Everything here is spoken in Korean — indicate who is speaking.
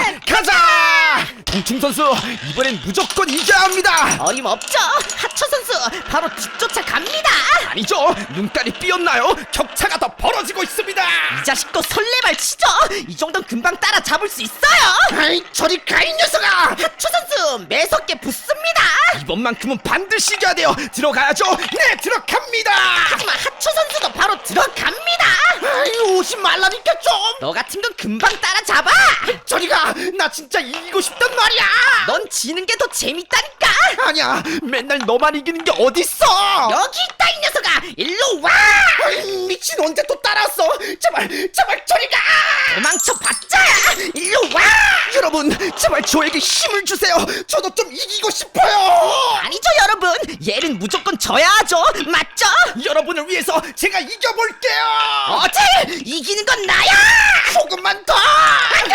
Speaker 1: 가자! 동충 선수, 이번엔 무조건 이겨야 합니다.
Speaker 2: 어림없죠. 하초 선수 바로 뒤쫓아 갑니다.
Speaker 1: 아니죠, 눈깔이 삐었나요? 격차가 더 벌어지고 있습니다.
Speaker 2: 이 자식도 설레발 치죠. 이 정도는 금방 따라잡을 수 있어요.
Speaker 1: 아이, 저리 가, 이 녀석아!
Speaker 2: 하초 선수 매섭게 붙습니다.
Speaker 1: 이번만큼은 반드시 이겨야 돼요. 들어가야죠. 네, 들어갑니다.
Speaker 2: 하지만 하초 선수도 바로 들어갑니다.
Speaker 1: 아이, 오지 말라니까 좀.
Speaker 2: 너 같은 건 금방 따라잡아.
Speaker 1: 저리 가. 나 진짜 이기고 싶단 말이야.
Speaker 2: 넌 지는 게 더 재밌다니까.
Speaker 1: 아니야, 맨날 너만 이기는 게 어딨어.
Speaker 2: 여기 있다 이 녀석아. 일로 와.
Speaker 1: 아이, 미친, 언제 또 따라왔어? 제발 저리 가.
Speaker 2: 도망쳐봤자. 일로 와.
Speaker 1: 여러분, 제발 저에게 힘을 주세요. 저도 좀 이기고 싶어요.
Speaker 2: 아니죠 여러분. 얘는 무조건 져야 하죠. 맞죠?
Speaker 1: 여러분을 위해서 제가 이겨볼게요.
Speaker 2: 어제 이기는 건 나야.
Speaker 1: 조금만 더.
Speaker 2: 아니야.